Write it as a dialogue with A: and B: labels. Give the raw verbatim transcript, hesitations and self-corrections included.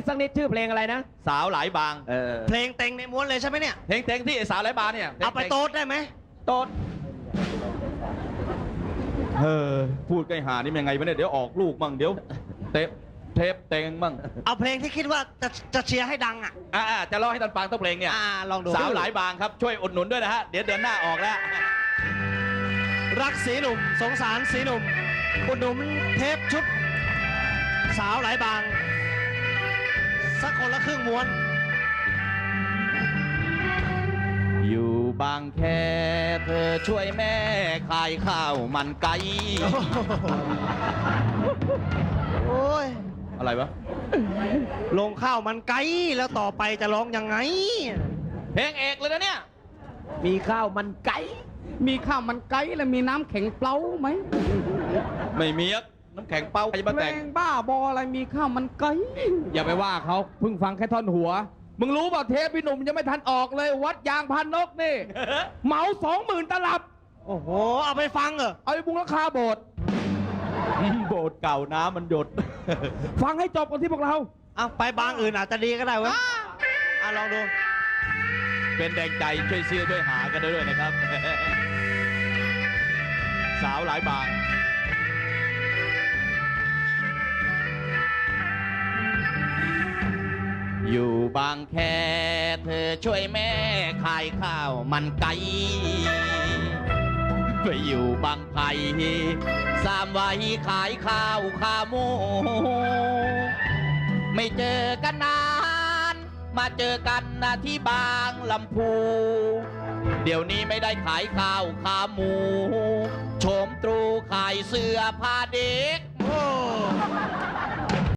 A: สักนิดชื่อเพลงอะไรนะ
B: สาวหลายบางเออ
C: เพลงเต็งในม้วนเลยใช่ไหมเนี่ย
B: เพลงเต็งที่ไอ้สาวหลายบางเนี่ย
C: เอาไปโต๊ดได้ไหม
B: โต๊ดเฮ้อพูดใกล้หานี่ยังไงวะเนี่ยเดี๋ยวออกลูกมั่งเดี๋ยวเทปเทปเต็งมั่ง
C: เอาเพลงที่คิดว่าจะจะเชียร์ให้ดังอ่ะ
B: อ่าจะร้องให้ท่านฟังต้องเพลงเนี่ย
C: อ่าลองดู
B: สาวหลายบางครับช่วยอุดหนุนด้วยนะฮะเดี๋ยวเดือนหน้าออกแล้ว
C: รักสีหนุ่มสงสารสีหนุ่มอุดหนุนเทปชุดสาวหลายบางสักคนละครึ่งม้วน
B: อยู่บางแคเธอช่วยแม่ขายข้าวมันไก่
C: โอ้ย
B: อะไรวะ
C: ลงข้าวมันไก่แล้วต่อไปจะร้องยังไง
B: เพลงเอกเลยนะเนี่ย
A: มีข้าวมันไก่
D: มีข้าวมันไก่แล้วมีน้ำแข็งเปล่าไหม
B: ไม่มีน้ำแข็งเป้าใครจะมาแต่ง
D: เพลงบ้าบออะไรมีข้าวมันไก่อย่าไปว่าเขาเพิ่งฟังแค่ท่อนหัวมึงรู้เปล่าเทปพี่หนุ่มยังไม่ทันออกเลยวัดยางพันนกนี่ เหมาสองหมื่นตลับ
C: โอ้โหเอาไปฟังเหรอ
D: เอาไปบุงราคาโบสถ์
B: โบสถ์เก่าน้ำมันหยด
D: ฟังให้จบกันที่พวกเรา
C: เอาไปบางอื่นอาจจะดีก็ได้เว้ยอ่ะลองดู
B: เป็นแรงใจช่วยเชื่อช่วยหากันด้วยนะครับ สาวหลายบางอยู่บางแคเธอช่วยแม่ขายข้าวมันไก่ไปอยู่บางไผ่สามวัยขายข้าวขาหมูไม่เจอกันนานมาเจอกันนะที่บางลำพูเดี๋ยวนี้ไม่ได้ขายข้าวขาหมูโฉมตรูขายเสื้อผ้าเด็ก